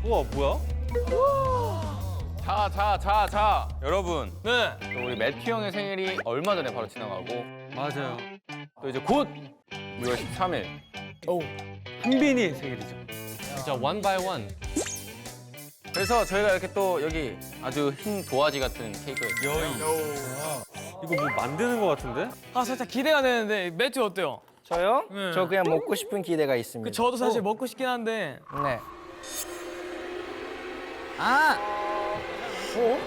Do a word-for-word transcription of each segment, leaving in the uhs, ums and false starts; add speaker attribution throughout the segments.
Speaker 1: 우와 뭐야?
Speaker 2: 자, 자, 자, 자, 여러분.
Speaker 1: 네.
Speaker 2: 또 우리 매튜 형의 생일이 얼마 전에 바로 지나가고
Speaker 1: 맞아요.
Speaker 2: 또 이제 곧 유월 십삼일.
Speaker 1: 오. 한빈이 생일이죠.
Speaker 3: 진짜 원 바이 원.
Speaker 2: 그래서 저희가 이렇게 또 여기 아주 흰 도화지 같은 케이크를
Speaker 1: 이거 뭐 만드는 거 같은데?
Speaker 4: 아 살짝 기대가 되는데 매튜 어때요?
Speaker 5: 저요?
Speaker 4: 네.
Speaker 5: 저 그냥 먹고 싶은 기대가 있습니다.
Speaker 4: 그 저도 사실 먹고 싶긴 한데
Speaker 5: 네.
Speaker 6: 아! 어?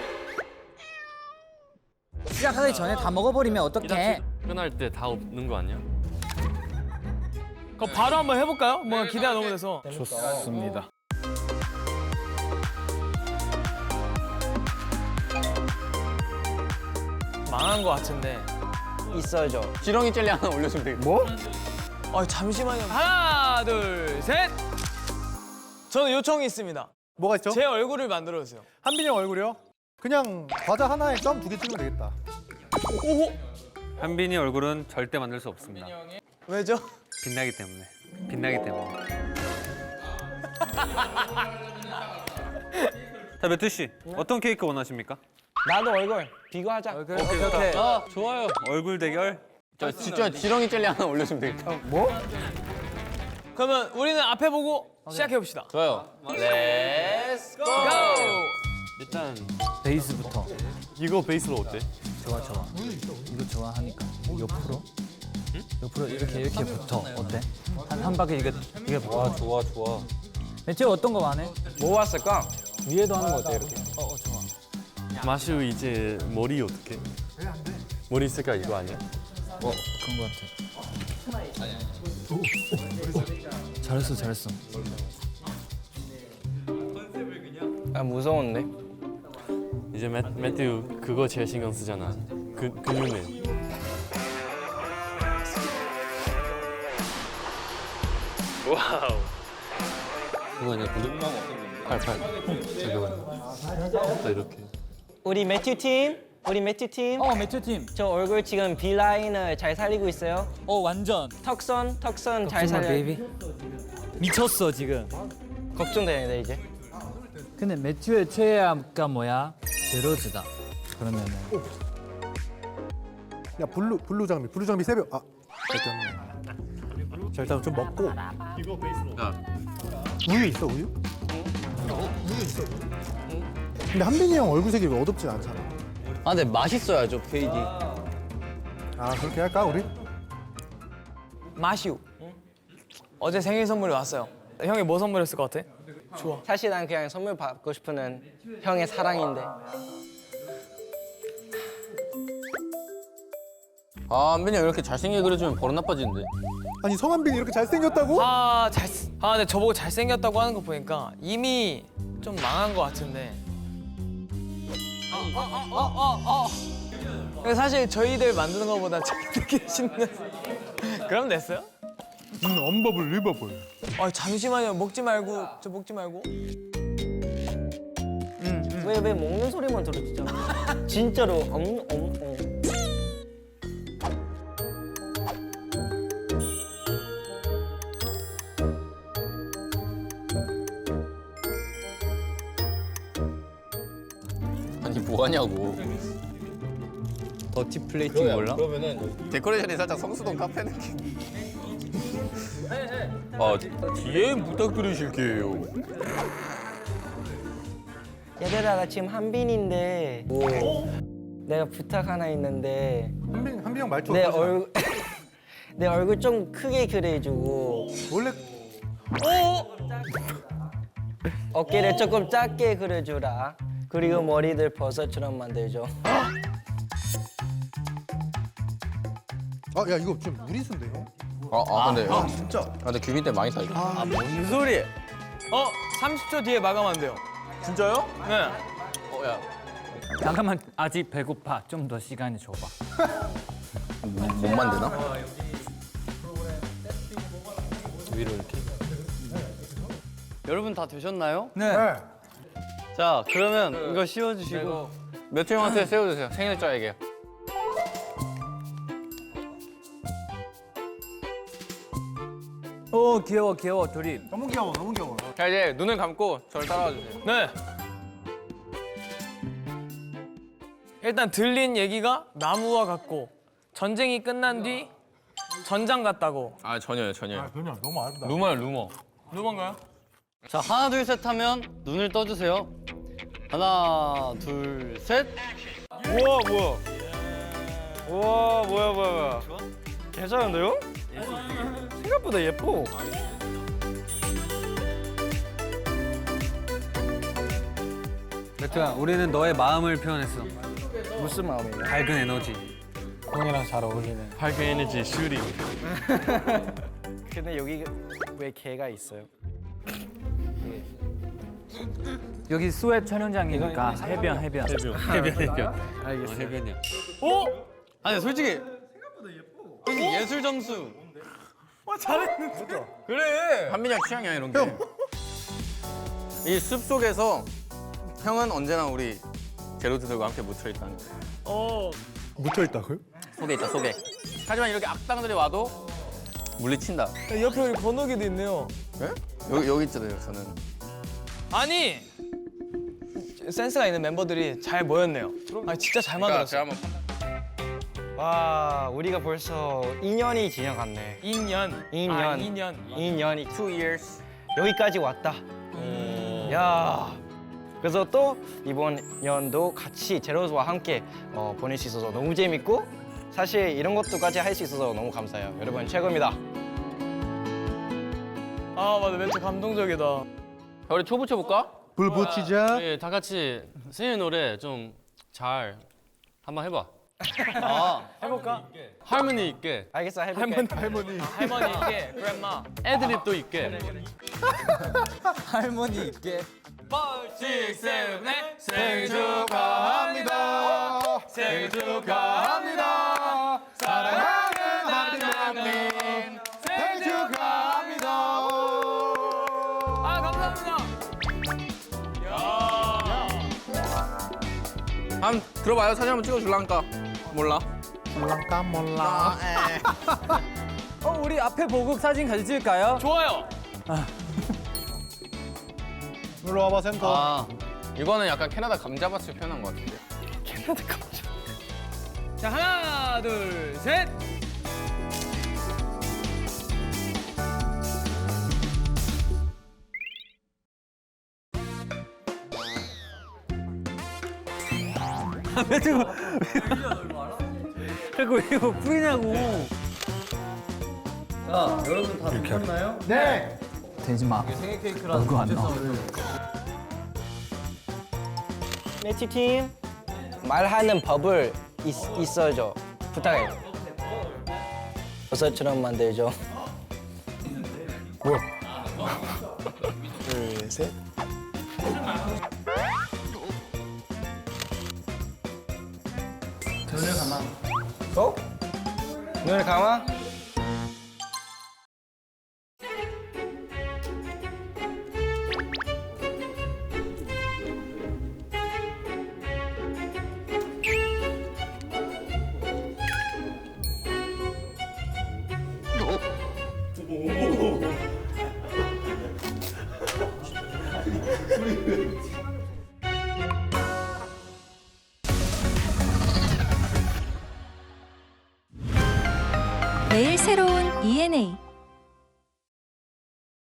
Speaker 6: 시작하기 전에 다 먹어버리면 어떡해?
Speaker 3: 끝날 때 다 없는 거 아니야?
Speaker 4: 그럼 바로 한번 해볼까요? 뭔가 기대가 너무 돼서.
Speaker 5: 좋습니다.
Speaker 4: 망한 거 같은데.
Speaker 5: 있어야죠.
Speaker 2: 지렁이 젤리 하나 올려주면 되겠다.
Speaker 5: 뭐?
Speaker 4: 아 잠시만요. 하나 둘 셋. 저는 요청이 있습니다.
Speaker 7: 뭐가 있죠?
Speaker 4: 제 얼굴을 만들어 주세요.
Speaker 7: 한빈이 형 얼굴이요? 그냥 과자 하나에 점 두 개 찍으면 되겠다.
Speaker 4: 오호.
Speaker 1: 한빈이 얼굴은 절대 만들 수 없습니다.
Speaker 4: 왜죠?
Speaker 1: 빛나기 때문에. 빛나기 때문에. 자, 매튜 씨, 어떤 케이크 원하십니까?
Speaker 5: 나도 얼굴 비교하자.
Speaker 1: 오케이, 오케이.
Speaker 3: 아 좋아요.
Speaker 1: 얼굴 대결.
Speaker 2: 저 진짜 지렁이 젤리 하나 올려주면 되겠다.
Speaker 5: 뭐?
Speaker 4: 그러면 우리는 앞에 보고 시작해 봅시다.
Speaker 2: 좋아요. 렛츠 고!
Speaker 3: 일단
Speaker 6: 베이스부터.
Speaker 3: 이거 베이스로 어때?
Speaker 6: 좋아, 좋아. 이거 좋아하니까. 옆으로? 옆으로 이렇게 이렇게 붙어. 어때? 한, 한 바퀴 이게 이게 와, 좋아, 좋아. 매튜 어떤 거 많해?
Speaker 5: 뭐 왔을까? 위에도 하는 거 어때 이렇게?
Speaker 6: 어, 어, 좋아.
Speaker 3: 마슈 이제 머리 어떻게? 머리 색깔 이거 아니야?
Speaker 6: 어, 그런 거 같아. 잘했어, 잘했어.
Speaker 5: 아 무서운데?
Speaker 3: 이제 매, 매튜 그거 제일 신경 쓰잖아. 그 근육맨. 와우. 그거 아니야? 근육? 팔팔. 잠깐만. 또 이렇게.
Speaker 5: 우리 매튜 팀, 우리 매튜 팀.
Speaker 6: 어, 매튜 팀.
Speaker 5: 저 얼굴 지금 B 라인을 잘 살리고 있어요.
Speaker 6: 어, 완전.
Speaker 5: 턱선, 턱선 잘 살려.
Speaker 6: 베이비. 미쳤어, 지금.
Speaker 5: 걱정되는데 이제.
Speaker 6: 근데 매튜의 최애가 뭐야? 제로즈다. 그러면은
Speaker 7: 야 블루 블루 장미, 블루 장미 세 병. 아, 됐네. 자 일단 좀 먹고. 이거 베이스로. 우유 있어 우유? 우유 있어. 근데 한빈이 형 얼굴색이 왜 어둡진 않잖아.
Speaker 2: 아, 근데 맛있어야죠, 페이지.
Speaker 7: 아 그렇게 할까 우리?
Speaker 4: 마시우. 어제 생일 선물이 왔어요. 형이 뭐 선물했을 것 같아? 좋아.
Speaker 5: 사실 난 그냥 선물 받고 싶은 은 형의 사랑인데.
Speaker 2: 아, 한빈이 형 이렇게 잘생기게 그려주면 버릇 나빠지는데.
Speaker 7: 아니 성한빈이 이렇게 잘생겼다고?
Speaker 4: 아 잘. 아 근데 저보고 잘생겼다고 하는 거 보니까 이미 좀 망한 것 같은데. 어어어어 어. 사실 저희들 만드는 것보다 저희들끼리 씹는. 그럼 됐어요?
Speaker 7: 음, 언버블 리버블.
Speaker 4: 아 잠시만요. 먹지 말고 저 먹지 말고.
Speaker 5: 왜 왜 먹는 소리만 들었잖아. 진짜로 엄 엄. 어.
Speaker 2: 아니, 뭐 하냐고.
Speaker 3: 더티 플레이팅 몰라?
Speaker 2: 데코레이션이 살짝 성수동 카페 느낌. 아, 디엠 부탁드리실게요.
Speaker 5: 얘들아 나 지금 한빈인데. 내가 부탁 하나 있는데.
Speaker 7: 한빈 한빈 형 말투
Speaker 5: 내
Speaker 7: 어떠시나?
Speaker 5: 얼굴 내 얼굴 좀 크게 그려주고
Speaker 7: 원래
Speaker 5: 어깨를 조금 작게 그려주라. 그리고 머리들 버섯처럼 만들죠.
Speaker 7: 아 야 이거 좀 무리수인데요?
Speaker 2: 아, 아, 근데.
Speaker 7: 아 진짜.
Speaker 2: 아, 근데 규빈 때 많이 사죠.
Speaker 4: 아 뭔 소리? 어 삼십 초 뒤에 마감한대요.
Speaker 2: 진짜요?
Speaker 4: 네.
Speaker 2: 어, 야.
Speaker 6: 잠깐만, 아직 배고파. 좀 더 시간이 줘봐.
Speaker 2: 못, 못 만드나?
Speaker 3: 위로 이렇게. 여러분 다 되셨나요?
Speaker 6: 네.
Speaker 7: 네.
Speaker 3: 자 그러면 이거 씌워주시고.
Speaker 2: 매튜 형한테 세워주세요. 생일자에게.
Speaker 6: 오, 귀여워, 귀여워, 둘이.
Speaker 7: 너무 귀여워 너무 귀여워.
Speaker 2: 자 이제 눈을 감고 저를 따라와 주세요.
Speaker 4: 네. 일단 들린 얘기가 나무와 같고 전쟁이 끝난 뒤 전장 같다고.
Speaker 2: 아 전혀요 전혀요.
Speaker 7: 그냥 너무 아름다.
Speaker 2: 루머요 루머.
Speaker 4: 누군가요?
Speaker 5: 자 하나 둘 셋 하면 눈을 떠주세요. 하나 둘 셋.
Speaker 1: 우와 뭐야? 우와 뭐야 뭐야 뭐야? 괜찮은데요? 생각보다 예뻐.
Speaker 8: 매트야, 우리는 너의 마음을 표현했어.
Speaker 5: 무슨 마음이에요?
Speaker 8: 밝은 에너지.
Speaker 6: 형이랑 잘 어울리네.
Speaker 3: 밝은 에너지 슈팅.
Speaker 5: 근데 여기 왜 개가 있어요?
Speaker 6: 여기 스웨트 촬영장이니까 해변 해변.
Speaker 3: 해변 해변.
Speaker 2: 알겠어요.
Speaker 3: 해변이야.
Speaker 2: 어? 아니 솔직히 솔직히 예술 점수.
Speaker 4: 와 잘했는데.
Speaker 2: 그래. 한민이 형 취향이야 이런 게. 이 숲 속에서 형은 언제나 우리 제로드들과 함께 묻혀 있다는 거.
Speaker 4: 어.
Speaker 7: 묻혀 있다고요?
Speaker 2: 속에 있다 속에. 하지만 이렇게 악당들이 와도 물리친다.
Speaker 4: 옆에 우리 건욱이도 있네요.
Speaker 2: 예? 여기 여기 있잖아요 저는.
Speaker 4: 아니 센스가 있는 멤버들이 잘 모였네요. 아 진짜 잘
Speaker 2: 그러니까
Speaker 4: 만들었어.
Speaker 2: 제가 한번
Speaker 5: 와 우리가 벌써 이 년이 지나갔네.
Speaker 4: 이 년.
Speaker 5: 이
Speaker 4: 아,
Speaker 5: 년.
Speaker 4: 이 년.
Speaker 5: 이 년이
Speaker 2: two years.
Speaker 5: 여기까지 왔다. 야. 그래서 또 이번 연도 같이 제로즈와 함께 어, 보낼 수 있어서 너무 재밌고 사실 이런 것도까지 할 수 있어서 너무 감사해요. 여러분 최고입니다.
Speaker 4: 아 맞아 멘트 감동적이다.
Speaker 2: 자, 우리 초 붙여볼까?
Speaker 7: 불 붙이자.
Speaker 3: 네, 다 같이 생일 노래 좀 잘 한번 해봐.
Speaker 2: 아.
Speaker 4: 해볼까?
Speaker 3: 할머니 있게,
Speaker 5: 알겠어 해볼게.
Speaker 7: 할머니.
Speaker 4: 할머니 있게 그랜마.
Speaker 3: 애드립도 있게.
Speaker 6: 할머니 있게.
Speaker 2: 생일 축하합니다. 생일 축하합니다. 사랑하는 하나님 생일 축하합니다.
Speaker 4: 아 감사합니다.
Speaker 2: 한번 들어봐요. 사진 한번 찍어줄란가? 몰라.
Speaker 7: 몰랑까 몰라.
Speaker 6: 어 우리 앞에 보고 사진 같이 찍을까요?
Speaker 4: 좋아요.
Speaker 7: 일로 와봐 센터.
Speaker 2: 아 이거는 약간 캐나다 감자밭을 표현한 것 같은데.
Speaker 4: 자 하나 둘 셋.
Speaker 8: 매트가 자꾸 왜 이거 뿌리냐고.
Speaker 7: 네.
Speaker 6: 되지 마. 얼굴 안 나와.
Speaker 5: 매치 팀 말하는 법을 있, 있어줘. 부탁해. 버섯처럼 만들죠. 뭐야? 둘 셋. 눈을 감아. 어? 눈을 감아.
Speaker 9: 매일 새로운 이엔에이